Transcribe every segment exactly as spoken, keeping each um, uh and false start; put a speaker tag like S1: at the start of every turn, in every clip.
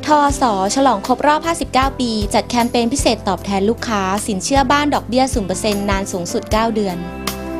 S1: ทอส.ฉลองครบรอบห้าสิบเก้าปีจัดแคมเปญพิเศษตอบแทนลูกค้าสินเชื่อบ้านดอกเบี้ย ศูนย์เปอร์เซ็นต์ นานสูงสุดเก้าเดือน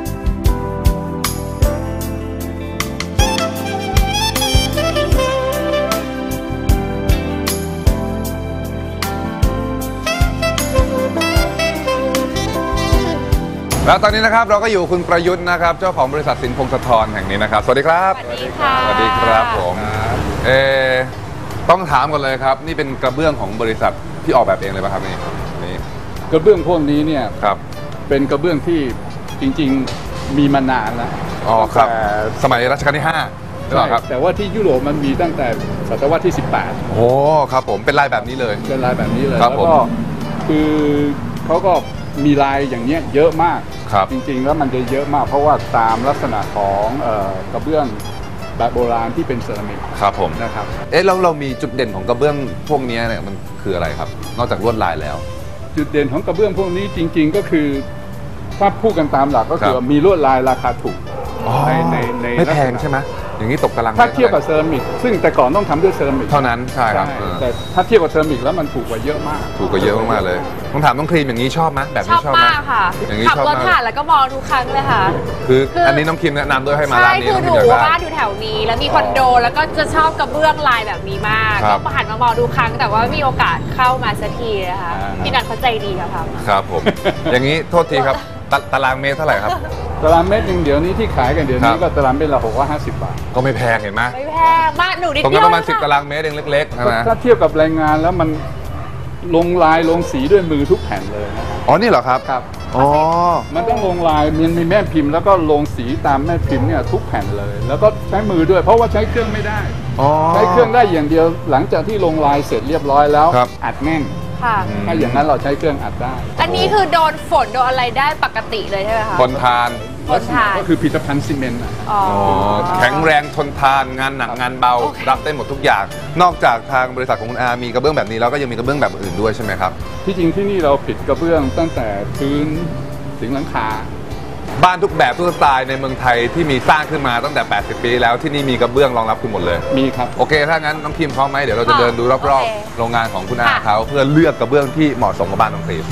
S2: แล้วตอนนี้นะครับเราก็อยู่คุณประยุทธ์นะครับเจ้าของบริษัทสินพงศธรแห่งนี้นะครับสวัสดีครับ
S3: สวัสดีค่ะ
S2: สวัสดีครับผมเออต้องถามกันเลยครับนี่เป็นกระเบื้องของบริษัทที่ออกแบบเองเลยป่ะครับนี่นี่
S4: กระเบื้องพวกนี้เนี่ย
S2: ครับ
S4: เป็นกระเบื้องที่จริงๆมีมานานแล้ว
S2: อ๋อครับสมัยรัชกาลที่ห้าใช่ไหมครับ
S4: แต่ว่าที่ยุโรปมันมีตั้งแต่ศตวรรษที่สิบแปด
S2: โอ้ครับผมเป็นลายแบบนี้เลย
S4: เป็นลายแบบนี้เลย
S2: แล้ว
S4: ก็คือเขาก็มีลายอย่างเนี้ยเยอะมากจริงๆแล้วมันจะเยอะมากเพราะว่าตามลักษณะของกระเบื้องแบบโบราณที่เป็นเซรามิก
S2: ครับผม
S4: นะครับ
S2: เอ๊ะแล้วเรามีจุดเด่นของกระเบื้องพวกนี้เนี่ยมันคืออะไรครับนอกจากลวดลายแล้ว
S4: จุดเด่นของกระเบื้องพวกนี้จริงๆก็คือถ้าพูดกันตามหลักก็คือมีลวดลายราคาถูก
S2: ในในในไม่แพงใช่ไหมอย่างนี้ตกตาราง
S4: ถ้าเทียบกับเซรามิกซึ่งแต่ก่อนต้องทำด้วยเซรามิก
S2: เท่านั้นใช่ครับ
S4: แต่ถ้าเทียบกับเซรามิกแล้วมันถูกกว่าเยอะมาก
S2: ถูกกว่าเยอะมากเลยต้องถามต้องครีมอย่างนี้ชอบไหมแบบนี้
S3: ชอบมากค่ะขับรถผ่านแล้วก็มองทุกครั้งเลยค่ะ
S2: คืออันนี้น้องครีมแนะนำด้วยให้มาร้านนี้
S3: ใช่คือหนูบ้านอยู่แถวนี้แล้วมีคอนโดแล้วก็จะชอบกระเบื้องลายแบบนี้มากก็หันมามองดูครั้งแต่ว่ามีโอกาสเข้ามาสักทีนะคะพี่นัทเขาใจดีค่ะ
S2: ครับผมอย่างนี้โทษทีครับตารางเมตรเท่าไหร่ครับ
S4: ตารางเมตรหนึ่งเดี๋ยวนี้ที่ขายกันเดี๋ยวนี้ก็ตารางเมตรละหกร้อยห้าสิบบาท
S2: ก็ไม่แพงเห็นไหม
S3: ไม่แพงมากหนูนิดเดียว
S2: ตรงนั้นประมาณสิบตารางเมตรเองเล็กๆใช่ไหม
S4: ถ้าเทียบกับแรงงานแล้วมันลงลายลงสีด้วยมือทุกแผ่นเลยนะ
S2: อ๋อนี่เหรอครับ
S4: ครับ
S2: อ๋อ
S4: มันต้องลงลายมันมีแม่พิมพ์แล้วก็ลงสีตามแม่พิมพ์เนี่ยทุกแผ่นเลยแล้วก็ใช้มือด้วยเพราะว่าใช้เครื่องไม่ได้ใช้เครื่องได้อย่างเดียวหลังจากที่ลงลายเสร็จเรียบร้อยแล้วอัดแน่นถ้าอย่างนั้นเราใช้เครื่องอัดได้
S3: อันนี้คือโดนฝนโดนอะไรได้ปกติเลยใช่ไหมคะ
S2: ทนทาน
S3: ทนทาน
S4: ก็คือผลิตภัณฑ์ซีเมนต์
S2: อ๋อแข็งแรงทนทานงานหนักงานเบารับได้หมดทุกอย่างนอกจากทางบริษัทของคุณอามีกระเบื้องแบบนี้แล้วก็ยังมีกระเบื้องแบบอื่นด้วยใช่ไหมครับ
S4: ที่จริงที่นี่เราผลิตกระเบื้องตั้งแต่พื้นถึงหลังคา
S2: บ้านทุกแบบทุกสไตล์ในเมืองไทยที่มีสร้างขึ้นมาตั้งแต่แปดสิบปีแล้วที่นี่มีกระเบื้องรองรับคุณหมดเลย
S4: มีครับ
S2: โอเคถ้างั้นน้องครีมพร้อมไหมเดี๋ยวเราจะเดินดูรอบๆโรงงานของคุณอาเขาเพื่อเลือกกระเบื้องที่เหมาะสมกับบ้านน้องครีม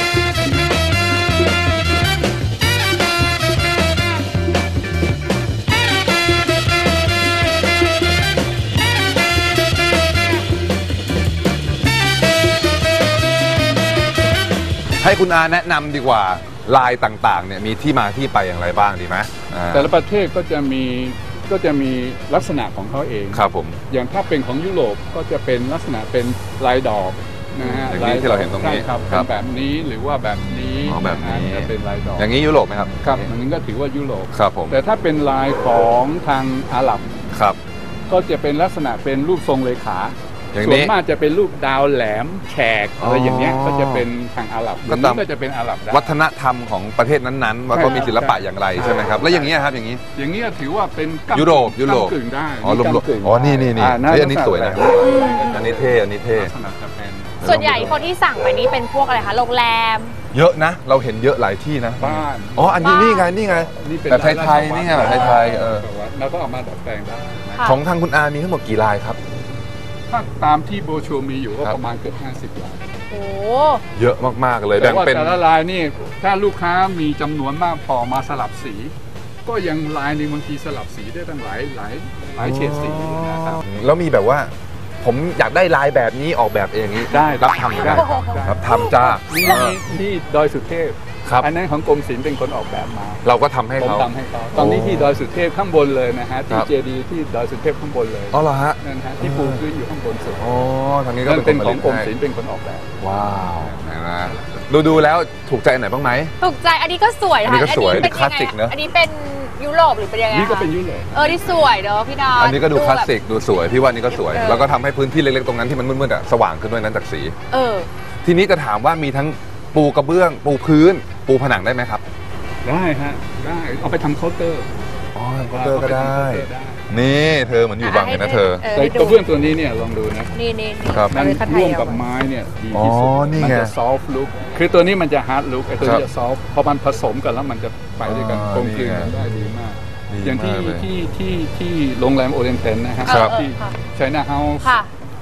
S2: ให้คุณอาแนะนำดีกว่าลายต่างๆเนี่ยมีที่มาที่ไปอย่างไรบ้างดีไหม
S4: แต่ละประเทศก็จะมีก็จะมีลักษณะของเขาเอง
S2: ครับผม
S4: อย่างถ้าเป็นของยุโรปก็จะเป็นลักษณะเป็นลายดอกนะฮะ
S2: อย่างนี้ที่เราเห็นตรงนี้
S4: ครับแบบนี้หรือว่าแบบนี้
S2: แบบนี้
S4: เป็นลายดอก
S2: อย่างนี้ยุโรปไหมครับ
S4: ครับอันนี้ก็ถือว่ายุโรป
S2: ครับผม
S4: แต่ถ้าเป็นลายของทางอาหรับ
S2: ครับ
S4: ก็จะเป็นลักษณะเป็นรูปทรงเลขาส่วนมากจะเป็นรูปดาวแหลมแฉกอะไรอย่างเงี้ยก็จะเป็นทางอาหรับก็ตามก็จะเป็นอาหรับ
S2: วัฒนธรรมของประเทศนั้นๆว่าก็มีศิลปะอย่างไรใช่ไหมครับแล้วอย่างนี้ครับอย่างนี้
S4: อย่างนี้ถือว่าเป็น
S2: ยุโรปยุโรป
S4: กึ่งได้
S2: อ๋อรวมๆอ๋อนี่นี่นี่อันนี้สวยนะอันนี้เท่อันนี้เท่
S3: ส่วนใหญ่คนที่สั่งไปนี้เป็นพวกอะไรคะโรงแรม
S2: เยอะนะเราเห็นเยอะหลายที่นะ
S4: บ้าน
S2: อ๋ออันนี้นี่ไงนี่ไงแบบไทยๆนี่ไงแบบไทยๆเออ
S4: เราก็เอามาดัดแปลงได้
S2: ของทางคุณอามีทั้งหมดกี่ลายครับ
S4: ถ้าตามที่โบชัวมีอยู่ก็ประมาณเกือบห้าสิบลาย
S3: โอ้
S2: เยอะมากๆเลย
S4: แต่ว่าแต่ละลายนี่ถ้าลูกค้ามีจำนวนมากพอมาสลับสีก็ยังลายในบางทีสลับสีได้ตั้งหลายหลายหลายเฉดสีนะครับ
S2: แล้วมีแบบว่าผมอยากได้ลายแบบนี้ออกแบบเองนี้
S4: ได้
S2: รับทำได้รับทำจ้า
S4: นี่ที่ดอยสุเทพอันนั้นของกรมศิลป์เป็นคนออกแบบมา
S2: เราก็ทำให้เขา
S4: ทำให้เขาตอนนี้ที่ดอยสุเทพข้างบนเลยนะฮะที่เจดีย์ที่ดอยสุเทพข้างบนเลย
S2: อ๋อเหรอฮะ
S4: นั่นฮะที่ปูพื้นอยู่ข้างบนสุด
S2: อ๋อทางนี้ก็
S4: เป็นของกรมศิลป์เป็นคนออกแบบ
S2: ว้าวนะดูดูแล้วถูกใจไหนบ้างไหม
S3: ถูกใจอันนี้ก็สวยค่ะ
S2: อันนี้ก็สวยคลาสสิกเนอะ
S3: อันนี้เป็นยุโรปหรือเป็นยังไง
S4: นี่ก็เป็นยุโรป
S3: เออที่สวยเนาะพี่ดาว
S2: อันนี้ก็ดูคลาสสิกดูสวยพี่ว่านี่ก็สวยแล้วก็ทำให้พื้นที่เล็กๆตรงนั้นที่มันมืดๆอ่ะสว่างขึ้นด้วยนั้นจากสี
S3: เออ
S2: ทีนี้จะถามว่ามีทั้งปูกระเบื้องปูพื้นปูผนังได้ไหมครับ
S4: ได้ฮะได้เอาไปทำเคาน์เตอร์
S2: อ๋อเคาน์เตอร์ก็ได้นี่เธอเหมือนอยู่บังเลยนะเธอ
S4: แต่กระเบื้องตัวนี้เนี่ยลองดูนะ
S3: นี่นี่
S4: มันร่วมกับไม้เนี่ยดีที่สุดมันจะซอฟต์ลุคคือตัวนี้มันจะฮาร์ดลุคไอ้ตัวนี้จะซอฟต์พอมันผสมกันแล้วมันจะไปด้วยกันกลมกลืนกันได้ดีมากอย่างที่ที่ที่ที่โรงแรมโอเรนเทนนะฮะที่ไชน่าเฮาส์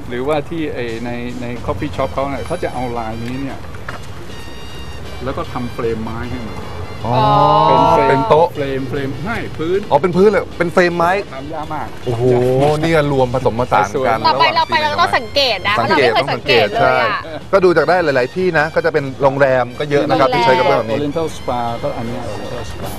S4: หรือว่าที่ไอในในคอฟฟี่ช็อปเขาเนี่ยเขาจะเอาลายนี้เนี่ยแล้วก็ทำเฟรมไม้ให้มัน
S2: อ๋อ
S4: เป็นเฟรม
S2: เป็นโต๊ะ
S4: เฟรมเฟรมให้พื้น
S2: อ๋อเป็นพื้นเลยเป็นเฟรมไม้
S4: ทำยากมาก
S2: โอ้โหนี่ก็รวมผสมผสานกัน
S3: ต่อไประ
S2: หว่
S3: เราไป
S2: ที่
S3: เราต้องสังเกตนะเพ
S2: สัง
S3: ราะเรา
S2: เกต
S3: ไม่เค
S2: ต้
S3: ย
S2: อง
S3: สั
S2: สั
S3: ง
S2: ง
S3: เก
S2: เก
S3: ต
S2: ต
S3: เล
S2: ใช่
S3: ยอ่ะ
S2: ก็ดูจากได้หลาย ๆ ที่นะ ก็จะเป็นโรงแรมก็เยอะนะครับที่ใช้กระเบื้องแบบนี้
S4: Oriental Spa ก็อันเนี้ย Oriental Spa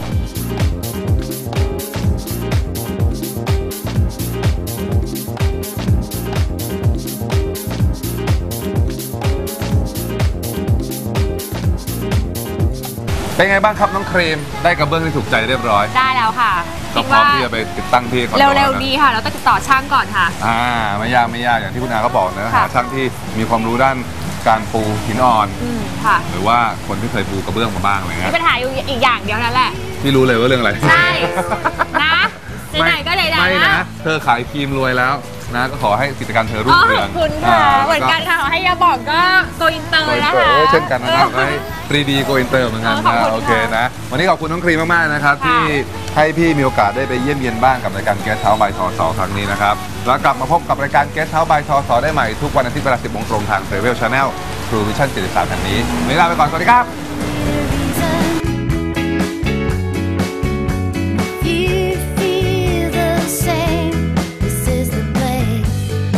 S2: เป็นไงบ้างครับน้องครีมได้กระเบื้องที่ถูกใจเรียบร้อย
S3: ได้แล้วค่ะ
S2: ก็
S3: คิด
S2: พร้อ
S3: ว่าม
S2: ที่จะไปติดตั้งที่คอนโด
S3: เร็ว
S2: นะ
S3: ๆดีค่ะ เราต้องติดต่อช่างก่อนค่ะ
S2: อ่าไม่ยากไม่ยากอย่างที่คุณอาก็บอกนะ
S3: ค่ะ
S2: หาช่างที่มีความรู้ด้านการปูหินอ่อน
S3: อืมค่ะ
S2: หรือว่าคนที่เคยปูกระเบื้องมาบ้างอะไร
S3: มี
S2: เงี้ย
S3: ปัญหาอยู่อีกอย่างเดียวนั่นแหละ
S2: พี่รู้เลยว่าเรื่องอะไร
S3: ใช่ นะไหนๆก็เลย
S2: ไม่
S3: นะ
S2: นะ เธอขายครีมรวยแล้วนะก็ขอให้กิจการเธอรุ่
S3: อ๋
S2: ง
S3: อ
S2: เรื
S3: ข
S2: อ
S3: อง บคุณค่ะ เหมือนกันค่ะขอให้ยาบอกก็โกอินเตอร์นะคะ
S2: เช่นกันนะครับก็ให้ ทรี ดี โกอินเตอร์เหมือนกัน
S3: ขอบ
S2: นะ
S3: คุณค่ะ
S2: โอเคนะวันนี้ขอบคุณน้องครีมมากๆนะครับ
S3: ค่ะ
S2: ที่ให้พี่มีโอกาสได้ไปเยี่ยมเยียนบ้านกับรายการ Guest House by ทสครั้งนี้นะครับแล้วกลับมาพบกับรายการ Guest House by ทสได้ใหม่ทุกวันอาทิตย์เวลา สิบโมงตรงทาง Travel Channel True Vision เจ็ดสิบสามแห่งนี้วันนี้ลาไปก่อนสวัสดีครับ
S5: You feel the same. This is the place.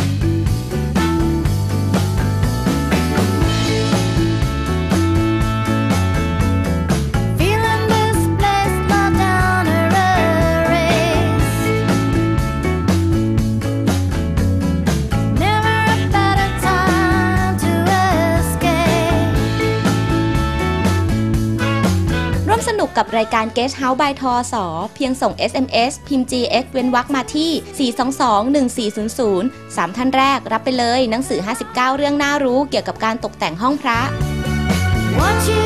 S5: Feeling this place not down a race. Never a better time to escape.
S1: ร่วมสนุกกับรายการ Guest House by ทสเพียงส่ง เอส เอ็ม เอส พิมพ์ จี เอ็กซ์ เว้นวรรคมาที่ สี่ สอง สอง หนึ่ง สี่ ศูนย์ ศูนย์ สาม ท่านแรกรับไปเลยหนังสือ ห้าสิบเก้า เรื่องน่ารู้เกี่ยวกับการตกแต่งห้องพระ
S5: Want you